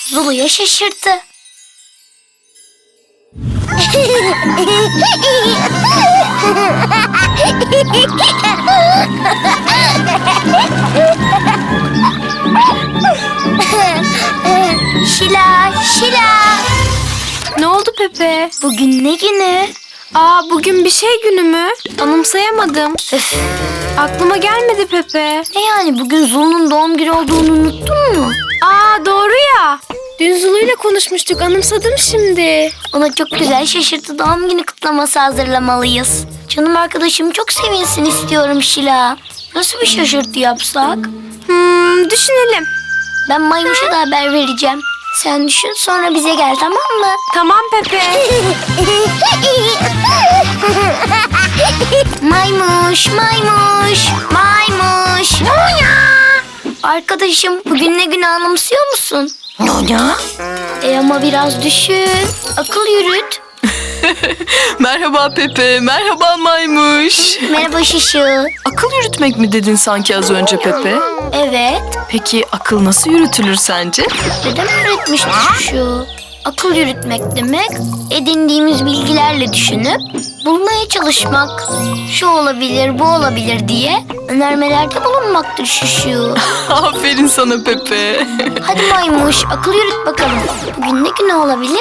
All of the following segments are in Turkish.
Zulu'ya şaşırttı. Şila, Şila. Ne oldu Pepe? Bugün ne günü? Bugün bir şey günü mü? Anımsayamadım. Öf, Aklıma gelmedi Pepe. ne yani bugün Zulu'nun doğum günü olduğunu unuttun mu? Doğru ya. Dün Zulu'yla konuşmuştuk, anımsadım şimdi. Ona çok güzel şaşırtı doğum günü kutlaması hazırlamalıyız. Canım arkadaşım çok sevinsin istiyorum Şila. Nasıl bir şaşırtı yapsak? Düşünelim. Ben Maymuş'a da haber vereceğim. Sen düşün sonra bize gel, tamam mı? Tamam Pepe. Maymuş, maymuş, maymuş. Arkadaşım bugün ne günü anımsıyor musun? Ama biraz düşün. Akıl yürüt. Merhaba Pepe, merhaba Maymuş. Merhaba Şişu. Akıl yürütmek mi dedin sanki az önce Pepe? Evet. Peki akıl nasıl yürütülür sence? Dedem öğretmişti Şişu. Akıl yürütmek demek edindiğimiz bilgilerle düşünüp bulmaya çalışmak. Şu olabilir, bu olabilir diye önermelerde bulunmaktır Şişu. Aferin sana Pepe. Hadi Maymuş, akıl yürüt bakalım. Bugün ne günü olabilir?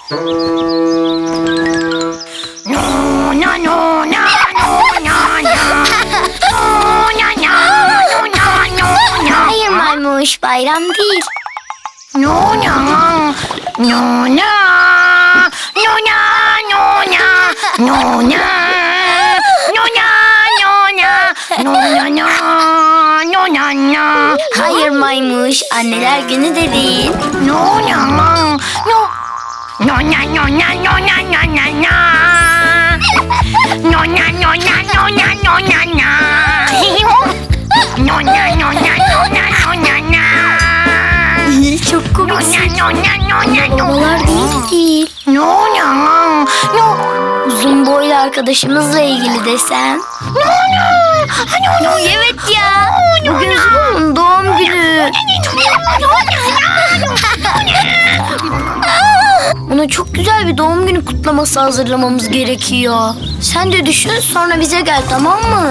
Hayır Maymuş, bayram değil. Hayır Maymuş, anneler günü de değil. Çok komiksin. Babalar günü de değil. Uzun boylu arkadaşımızla ilgili desem. Evet ya. Bugün Zulu'nun doğum günü. Ona çok güzel bir doğum günü kutlaması hazırlamamız gerekiyor. Sen de düşün sonra bize gel, tamam mı?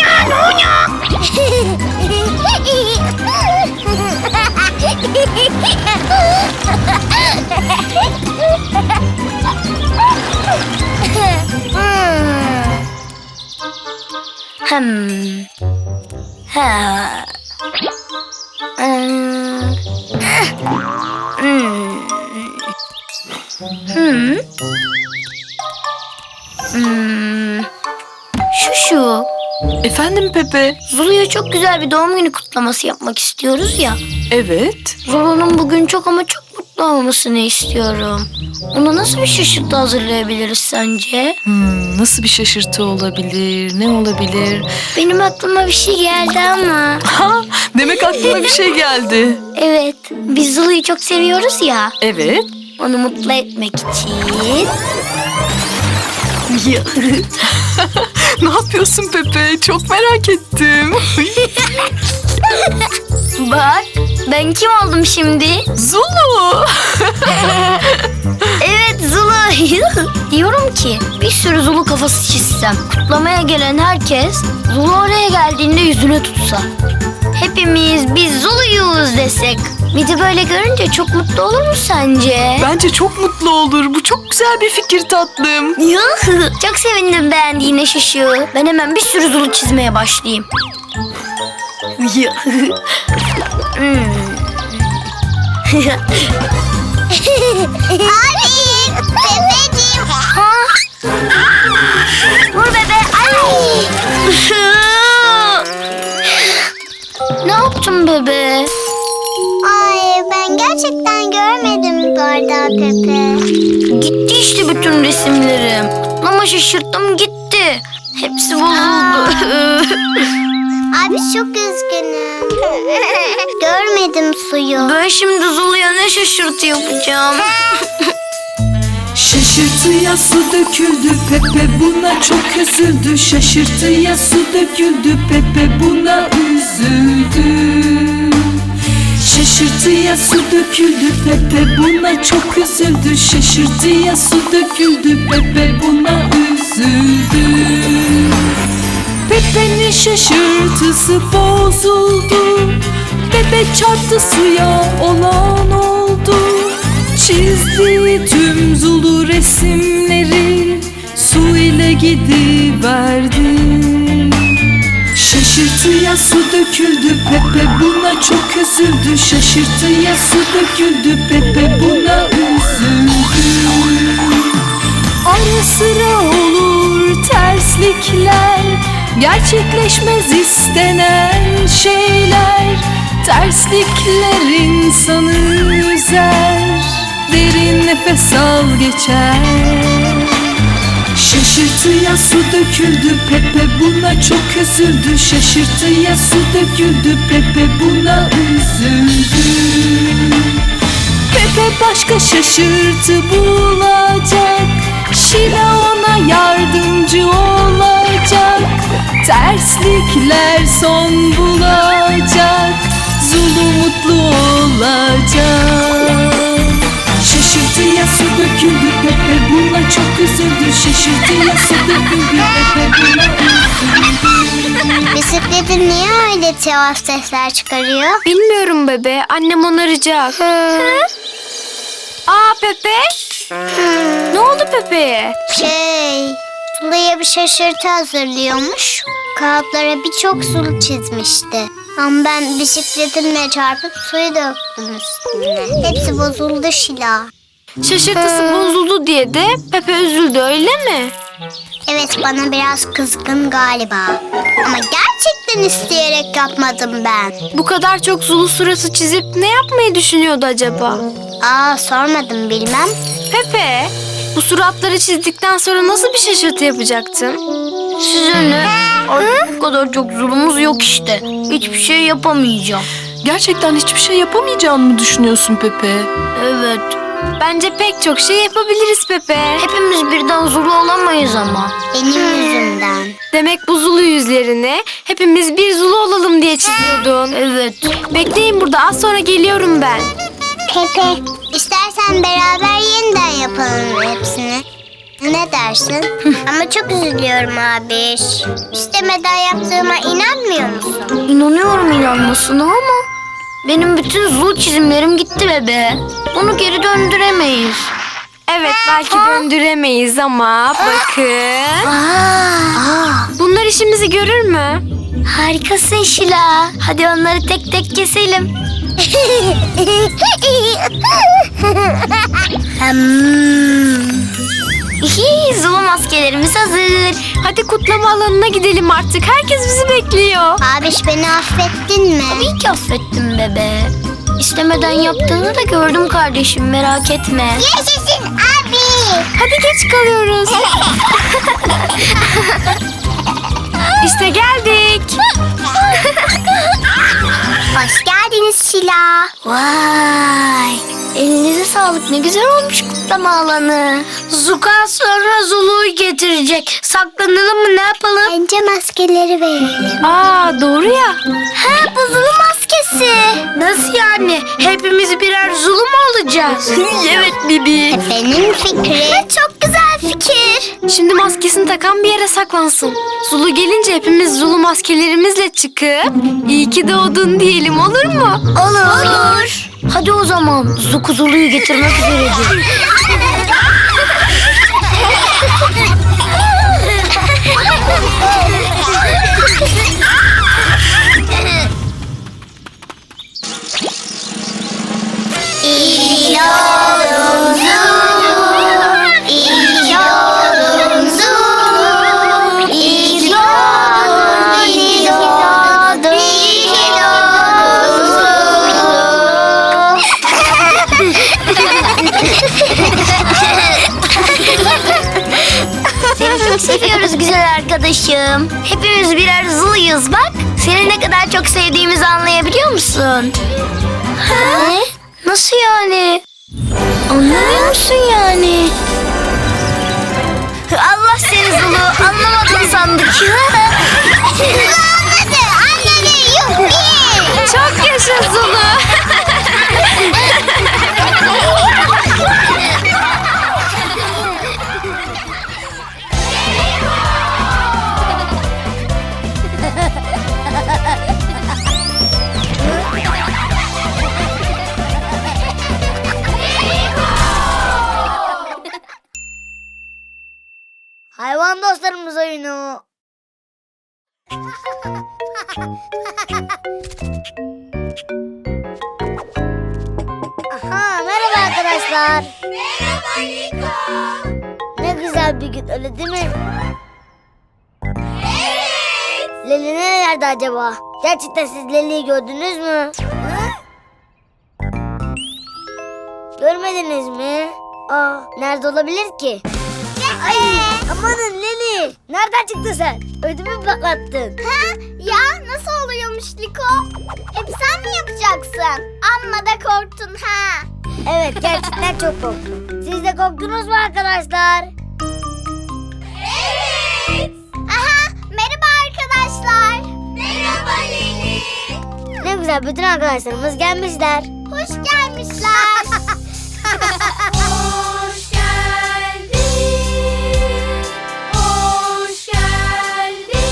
Ha. Şu. Efendim Pepe? Zulu'ya çok güzel bir doğum günü kutlaması yapmak istiyoruz ya. Evet. Zulu'nun bugün çok ama çok mutlu olmasını istiyorum. Ona nasıl bir şaşırtı hazırlayabiliriz sence? Nasıl bir şaşırtı olabilir? Ne olabilir? Benim aklıma bir şey geldi ama. Demek aklıma bir şey geldi. Evet, biz Zulu'yu çok seviyoruz ya. Evet. Onu mutlu etmek için. Ne yapıyorsun Pepe? Çok merak ettim. Bak, ben kim oldum şimdi? Zulu. Evet, Zulu. Diyorum ki bir sürü Zulu kafası çizsem, kutlamaya gelen herkes Zulu oraya geldiğinde yüzüne tutsa. Hepimiz biz Zuluyuz desek. Bir de böyle görünce çok mutlu olur mu sence? Bence çok mutlu olur. Bu çok güzel bir fikir tatlım. Çok sevindim beğendiğine Şuşu. Ben hemen bir sürü Zulu çizmeye başlayayım. Abi, Pepeciğim. Vur bebe. Ay. Ne yaptın bebe? Ay, ben gerçekten görmedim bardağı Pepe. Gitti işte bütün resimlerim. Ama şaşırttım gitti. Hepsi bozuldu. Abi çok üzgünüm. Görmedim suyu. Ben şimdi Zulu'ya ne şaşırtı yapacağım? Şaşırtıya su döküldü Pepe buna çok üzüldü. Şaşırtıya su döküldü Pepe buna üzüldü. Şaşırtıya su döküldü, Pepe buna çok üzüldü. Şaşırtıya su döküldü, Pepe buna üzüldü. Pepe'nin şaşırtısı bozuldu. Pepe çarptı suya, olan oldu. Çizdiği tüm Zulu resimleri su ile gidiverdi. Şaşırtıya su döküldü, Pepe buna çok üzüldü. Şaşırtıya su döküldü, Pepe buna üzüldü. Ara sıra olur terslikler, gerçekleşmez istenen şeyler. Terslikler insanı üzer, derin nefes al geçer. Şaşırtıya su döküldü, Pepe buna çok üzüldü. Şaşırtıya su döküldü, Pepe buna üzüldü. Pepe başka şaşırtı bulacak, Şila ona yardımcı olacak. Terslikler son bulacak, Zulu mutlu olacak. Şaşırtıya su döküldü, Pepe buna çok üzüldü. Şaşırtıya su döküldü, Pepe buna üzüldü. Bisikletin niye öyle tuhaf sesler çıkarıyor? Bilmiyorum bebe. Annem onaracak. Aa Pepe. Ne oldu Pepe'ye? Sulu'ya bir şaşırtı hazırlıyormuş. Kağıtlara birçok sulu çizmişti. Ama ben bisikletimle çarpıp suyu döktüm üstüne. Hepsi bozuldu Şila. Şaşırtısı bozuldu diye de Pepe üzüldü öyle mi? Evet, bana biraz kızgın galiba. Ama gerçekten isteyerek yapmadım ben. Bu kadar çok Zulu suratı çizip ne yapmayı düşünüyordu acaba? Sormadım, bilmem. Pepe, bu suratları çizdikten sonra nasıl bir şaşırtı yapacaktın? Size ne? Artık bu kadar çok zulumuz yok işte. Hiçbir şey yapamayacağım. Gerçekten hiçbir şey yapamayacağını mı düşünüyorsun Pepe? Evet. Bence pek çok şey yapabiliriz Pepe. Hepimiz birden zulu olamayız ama. Benim yüzümden. Demek bu Zulu yüzlerini hepimiz bir Zulu olalım diye çiziyordun. Evet. Bekleyin burada, az sonra geliyorum ben. Pepe, istersen beraber yeniden yapalım hepsini. Ne dersin? Ama çok üzülüyorum abi. İstemeden yaptığıma inanmıyor musun? İnanıyorum inanmasına ama benim bütün zul çizimlerim gitti bebe. Bunu geri döndüremeyiz. Evet, belki döndüremeyiz ama bakın. Bunlar işimizi görür mü? Harikasın Şila. Hadi onları tek tek keselim. Zulu maskelerimiz hazır. Hadi kutlama alanına gidelim artık. Herkes bizi bekliyor. Abiş, beni affettin mi? Tabii ki affettim bebe. İstemeden yaptığını da gördüm kardeşim, merak etme. Yaşasın abi. Hadi geç kalıyoruz. İşte geldik. Hoş geldiniz Şila. Vay! Elinize sağlık, ne güzel olmuş kutlama alanı. Zuka sonra Zulu'yu getirecek. Saklanalım mı, ne yapalım? Bence maskeleri verelim. Aa, doğru ya. Ha, bu Zulu maskesi. Nasıl yani? Hepimiz birer Zulu mu olacağız? Evet Bibi. Benim fikri. Çok güzel fikir. Şimdi maskesini takan bir yere saklansın. Zulu gelince hepimiz Zulu maskelerimizle çıkıp iyi ki doğdun diyelim, olur mu? Olur. Hadi o zaman Zuku Zulu'yu getirmek üzeredir. İyi oldun Zulu, iyi oldun Zulu, iyi doğdun, iyi doğdun, iyi doğdun Zulu. Seni çok seviyoruz güzel arkadaşım. Hepimiz birer Zulu'yuz bak. Seni ne kadar çok sevdiğimizi anlayabiliyor musun? Ne? Nasıl yani? Anlamıyor musun yani? Allah seni Zulu, anlamadın sandık. Anladı, anladı, yuppi. Çok yaşa Zulu. Hayvan dostlarımız oyunu. Aha, merhaba arkadaşlar. Merhaba Liko. Ne güzel bir gün, öyle değil mi? Evet. Leli nerelerde acaba? Gerçekten siz Leli'yi gördünüz mü? Görmediniz mi? Aa, nerede olabilir ki? Ay, amanın Leli. Nereden çıktın sen? Ödümü patlattın. Ha? Ya nasıl oluyormuş Liko? Hep sen mi yapacaksın? Amma da korktun ha. Evet, gerçekten çok korktum. Siz de korktunuz mu arkadaşlar? Evet. Aha, merhaba arkadaşlar. Merhaba Leli. Ne güzel, bütün arkadaşlarımız gelmişler. Hoş gelmişler. Hoş geldin. Hoş geldin.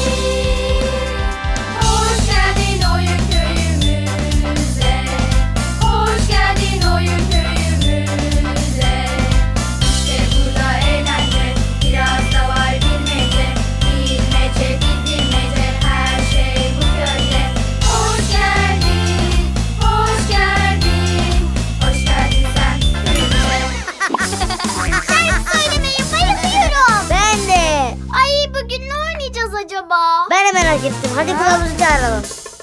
Hoş geldin oyun köyümüze. Hoş geldin oyun köyümüze. İşte burada eğlence, biraz da var bilmece. Bilmece, bilmece, her şey bu köyde. Hoş geldin, hoş geldin. Hoş geldin sen köyümüze. Şarkı söylemeye bayılıyorum. Ben de. Ay bugün ne oynayacağız acaba? Ben de merak ettim. Hadi kılavuzu çağıralım.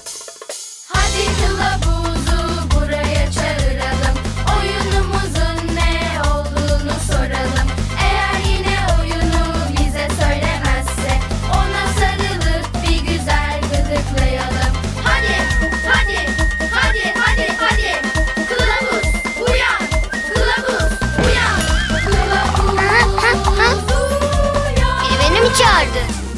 Hadi kılavuzu buraya çağıralım. Oyunumuzun ne olduğunu soralım. Eğer yine oyunu bize söylemezse ona sarılıp bir güzel gıdıklayalım. Hadi, hadi, hadi, hadi, hadi. Kılavuz uyan, kılavuz uyan, kılavuz uyan. Biri beni mi çağırdı?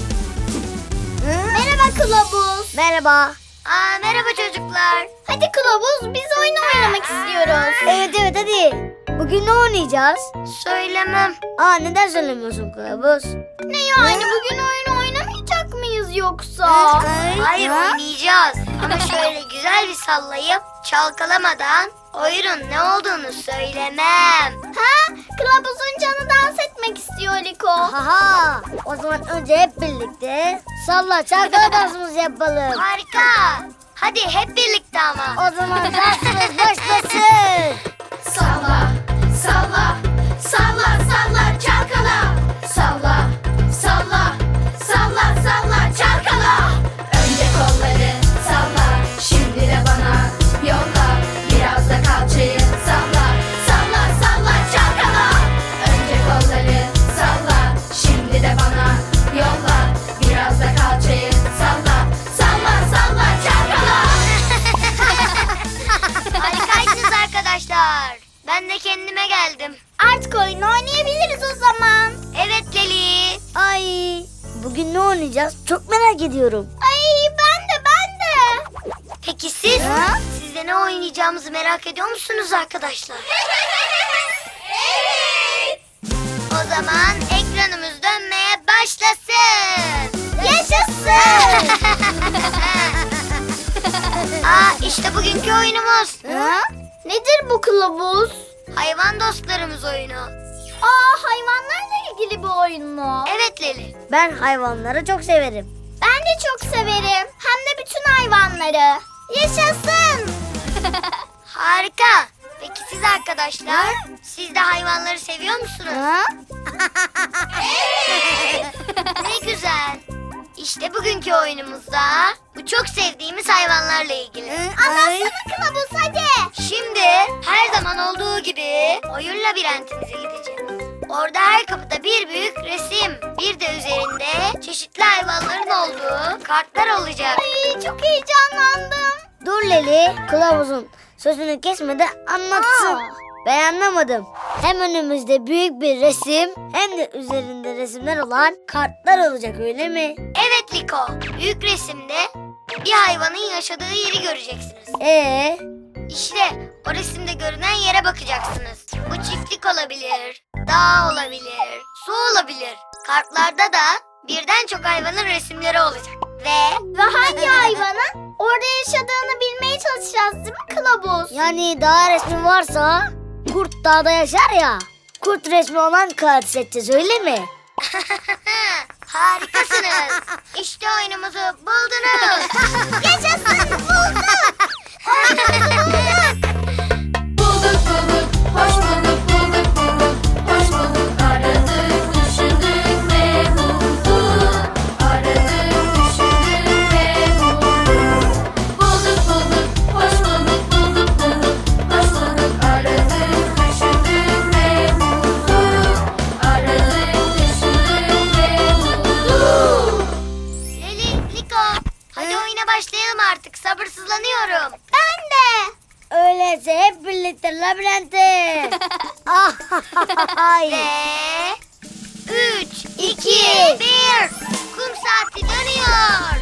Merhaba kılavuz. Merhaba. Merhaba çocuklar. Hadi kılavuz biz oyun oynamak istiyoruz. Evet hadi. Bugün ne oynayacağız? Söylemem. Neden söylemiyorsun kılavuz? Ne yani bugün oyun oynamayacak mıyız yoksa? Hayır, oynayacağız. Ama şöyle güzel bir sallayıp çalkalamadan oyunun ne olduğunu söylemem. Ha? Kılavuzun canı dans etmek istiyor Liko. Haha. O zaman önce hep birlikte salla çalkala dansımızı yapalım. Harika. Hadi hep birlikte ama. O zaman dansımız başlasın. Salla, salla, salla, salla, çalkala. Salla, salla, salla, salla, çalkala. Önce kolları salla, şimdi de bana yolla. Biraz da kalçayı salla, salla, salla, çalkala. Önce kolları salla, şimdi de bana yolla. Biraz da kalçayı salla, salla, salla, çalkala. Harikaysınız arkadaşlar. Ben de kendime geldim. Artık oyun oynayabiliriz o zaman. Evet Leli. Ay, bugün ne oynayacağız? Çok merak ediyorum. Ay ben de. Peki siz? Siz de ne oynayacağımızı merak ediyor musunuz arkadaşlar? Evet. O zaman ekranımız dönmeye başlasın. Yaşasın. İşte bugünkü oyunumuz. Nedir bu kılavuz? Hayvan dostlarımız oyunu. Hayvanlarla ilgili bir oyun mu? Evet Leli. Ben hayvanları çok severim. Ben de çok severim. Hem de bütün hayvanları. Yaşasın. Harika. Peki siz arkadaşlar? Siz de hayvanları seviyor musunuz? Ne güzel. İşte bugünkü oyunumuzda bu çok sevdiğimiz hayvanlarla ilgili. Anlatsana kılavuz hadi. Şimdi her zaman olduğu gibi oyun labirentimize gideceğiz. Orada her kapıda bir büyük resim, bir de üzerinde çeşitli hayvanların olduğu kartlar olacak. Ay çok heyecanlandım. Dur Leli, kılavuzun sözünü kesmeden anlatsın. Ben anlamadım. Hem önümüzde büyük bir resim hem de üzerinde resimler olan kartlar olacak öyle mi? Evet Liko. Büyük resimde bir hayvanın yaşadığı yeri göreceksiniz. İşte o resimde görünen yere bakacaksınız. Bu çiftlik olabilir, dağ olabilir, su olabilir. Kartlarda da birden çok hayvanın resimleri olacak. Ve hangi hayvanın orada yaşadığını bilmeye çalışacağız değil mi Kılavuz? Yani dağ resmi varsa kurt dağda yaşar ya. Kurt resmi olan kağıt seçeceğiz öyle mi? Harikasınız. İşte oyunumuzu buldunuz. Yaşasın bulduk. Bulduk bulduk, hoş bulduk, bulduk bulduk, hoş bulduk. Aradık, düşündük ve bulduk. Aradık, düşündük ve bulduk. Bulduk bulduk, hoş bulduk, bulduk bulduk, hoş bulduk. Aradık, düşündük ve bulduk. Aradık, düşündük ve bulduk. Leli, Liko, hadi oyuna başlayalım artık. Sabırsızlanıyorum. Ben de. Öyleyse hep birlikte labirente. Ay. Ve 3, 2, 1. Kum saati dönüyor.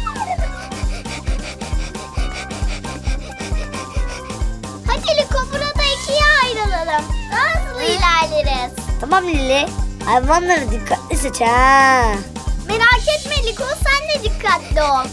Hadi Liko burada ikiye ayrılalım. Daha hızlı ilerleriz. Tamam Lili. Hayvanları dikkatli seç ha. Merak etme Liko sen de dikkatli ol.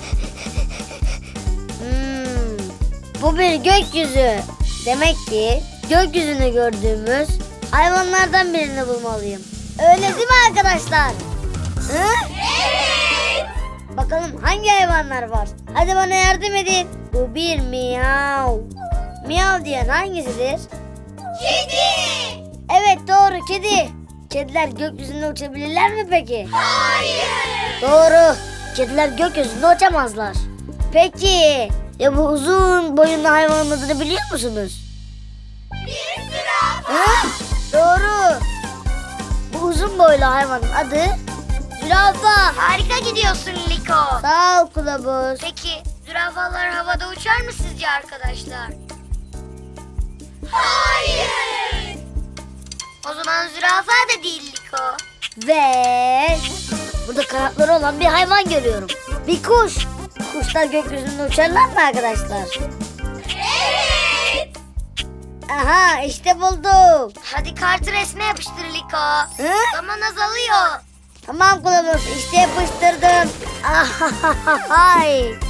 Bu bir gökyüzü. Demek ki gökyüzünü gördüğümüz hayvanlardan birini bulmalıyım. Öyle değil mi arkadaşlar? Hı? Evet. Bakalım hangi hayvanlar var? Hadi bana yardım edin. Bu bir miyav. Miyav diyen hangisidir? Kedi. Evet doğru kedi. Kediler gökyüzünde uçabilirler mi peki? Hayır. Doğru. Kediler gökyüzünde uçamazlar. Peki ya bu uzun boyunlu hayvanın adını biliyor musunuz? Bir zürafa. Ha? Doğru. Bu uzun boylu hayvanın adı zürafa. Harika gidiyorsun Liko. Sağ ol kılavuz. Peki zürafalar havada uçar mı sizce arkadaşlar? Hayır. O zaman zürafa da değil Liko. Ve burada kanatları olan bir hayvan görüyorum. Bir kuş. Kuşlar gökyüzünde uçarlar mı arkadaşlar? Evet. Aha işte bulduk. Hadi kartı resme yapıştır Liko. Hı? Zaman azalıyor. Tamam kılavuz işte yapıştırdım. Ahahahay.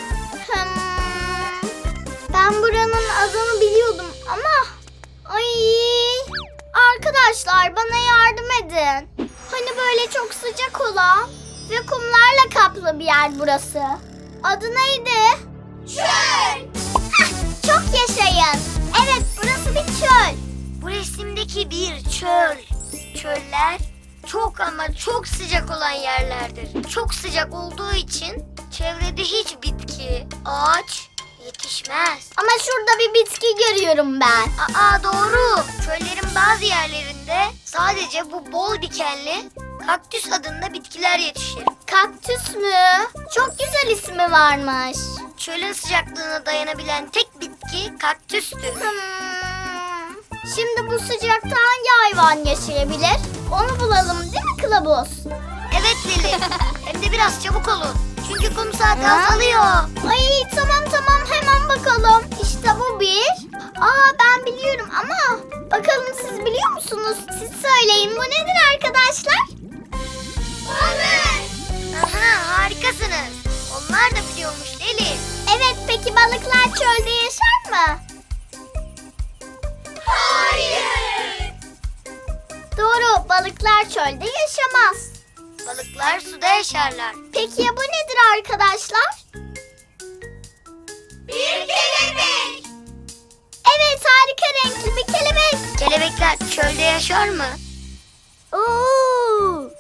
Ben buranın adını biliyordum ama... Ay, arkadaşlar bana yardım edin. Hani böyle çok sıcak olan ve kumlarla kaplı bir yer burası. Adı neydi? Çöl. Çok yaşayın. Evet burası bir çöl. Bu resimdeki bir çöl. Çöller çok ama çok sıcak olan yerlerdir. Çok sıcak olduğu için çevrede hiç bitki, ağaç yetişmez. Ama şurada bir bitki görüyorum ben. Aa doğru. Çöllerin bazı yerlerinde sadece bu bol dikenli kaktüs adında bitkiler yetişir. Kaktüs mü? Çok güzel ismi varmış. Çölün sıcaklığına dayanabilen tek bitki kaktüstür. Şimdi bu sıcakta hangi hayvan yaşayabilir? Onu bulalım değil mi kılavuz? Evet Lili. Hem de biraz çabuk olun. Çünkü kum saati azalıyor. Ay tamam hemen bakalım. İşte bu bir. Ben biliyorum ama bakalım siz biliyor musunuz? Siz söyleyin bu nedir arkadaşlar? Balık. Aha harikasınız. Onlar da biliyormuş Lili. Evet peki balıklar çölde yaşar mı? Hayır. Doğru balıklar çölde yaşamaz. Balıklar suda yaşarlar. Peki ya bu nedir arkadaşlar? Bir kelebek. Evet harika renkli bir kelebek. Kelebekler çölde yaşar mı? Oo.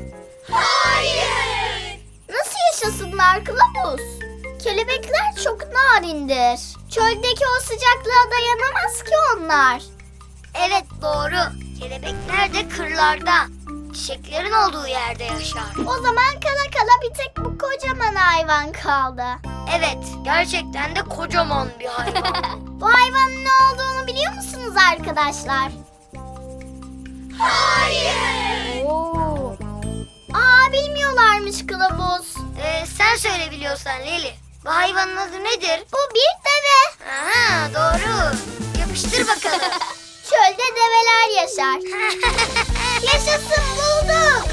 Hayır. Nasıl yaşasınlar kılavuz? Kelebekler çok narindir. Çöldeki o sıcaklığa dayanamaz ki onlar. Evet doğru. Kelebekler de kırlarda. çiçeklerin olduğu yerde yaşar. O zaman kala kala bir tek bu kocaman hayvan kaldı. Evet, gerçekten de kocaman bir hayvan. Bu hayvanın ne olduğunu biliyor musunuz arkadaşlar? Hayır. Oo. Bilmiyorlarmış kılavuz. Sen söyle biliyorsan Leli. Bu hayvanın adı nedir? Bu bir deve. Aha, doğru. Yapıştır bakalım. Çölde develer yaşar. Yaşasın, bulduk.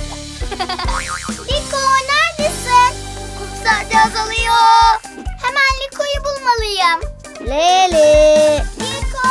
Liko neredesin? Kum saati azalıyor. Hemen Liko'yu bulmalıyım. Leli. Liko.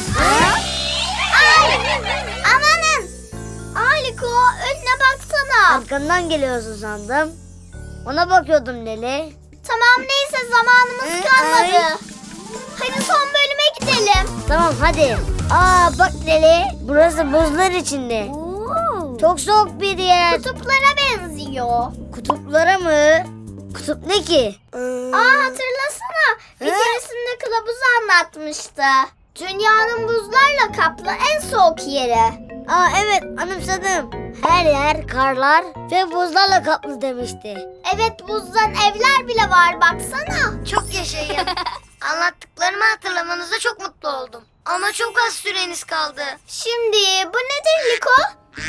Ay. Amanın. Liko önüne baksana. Arkandan geliyorsun sandım. Ona bakıyordum Leli. Tamam neyse zamanımız kalmadı. Hadi son bölüme gidelim. Tamam hadi. Bak Leli. Burası buzlar içinde. Çok soğuk bir yer. Kutuplara benziyor. Kutuplara mı? Kutup ne ki? Hatırlasana. Bir keresinde kılavuz anlatmıştı. Dünyanın buzlarla kaplı en soğuk yeri. Evet anımsadım. Her yer karlar ve buzlarla kaplı demişti. Evet buzdan evler bile var baksana. Çok yaşayın. Anlattıklarımı hatırlamanıza çok mutlu oldum. Ama çok az süreniz kaldı. Şimdi bu nedir Liko?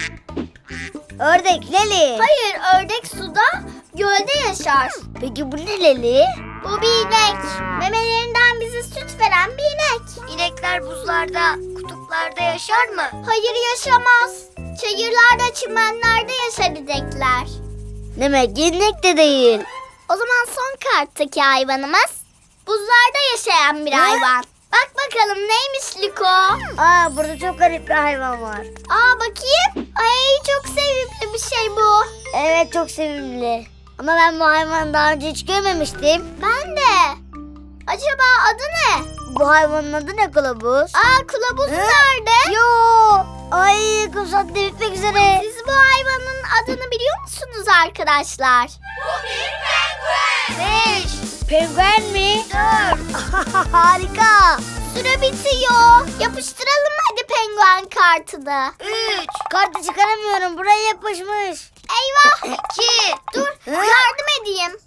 Ördek Leli. Hayır ördek suda gölde yaşar. Peki bu ne Leli? Bu bir inek. Memelerinden bize süt veren bir inek. İnekler buzlarda, kutuplarda yaşar mı? Hayır yaşamaz. Çayırlarda, çimenlerde yaşar inekler. Demek inek de değil. O zaman son karttaki hayvanımız buzlarda yaşayan bir hayvan. Bak bakalım neymiş Liko? Burada çok garip bir hayvan var. Bakayım. Ay çok sevimli bir şey bu. Evet çok sevimli. Ama ben bu hayvanı daha önce hiç görmemiştim. Ben de. Acaba adı ne? Bu hayvanın adı ne kılavuz? Kılavuz nerede? Yo. Ay kum saati bitmek üzere. Siz bu hayvanın adını biliyor musunuz arkadaşlar? Bu bir penguen. 5, Penguen mi? 4, Harika. Süre bitiyor. Yapıştıralım hadi penguen kartını. 3, Kartı çıkaramıyorum. Buraya yapışmış. Eyvah. 2, Dur yardım edeyim.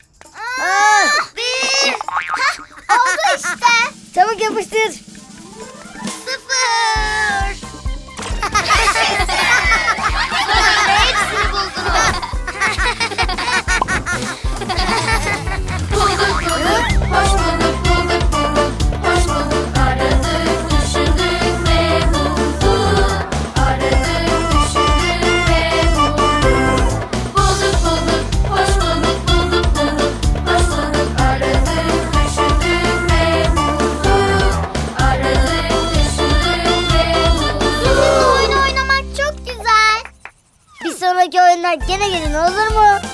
1, Oldu işte. Çabuk yapıştır. 0. Sonunda hepsini buldunuz. Bulduk bulduk, hoş bulduk, bulduk bulduk, hoş bulduk. Aradık, düşündük ve bulduk. Aradık, düşündük ve bulduk. Bulduk bulduk, hoş bulduk, bulduk bulduk, hoş bulduk. Aradık, düşündük ve bulduk. Aradık, düşündük ve bulduk. Sizinle oyun oynamak çok güzel. Bir sonraki oyunlar gene gelin olur mu?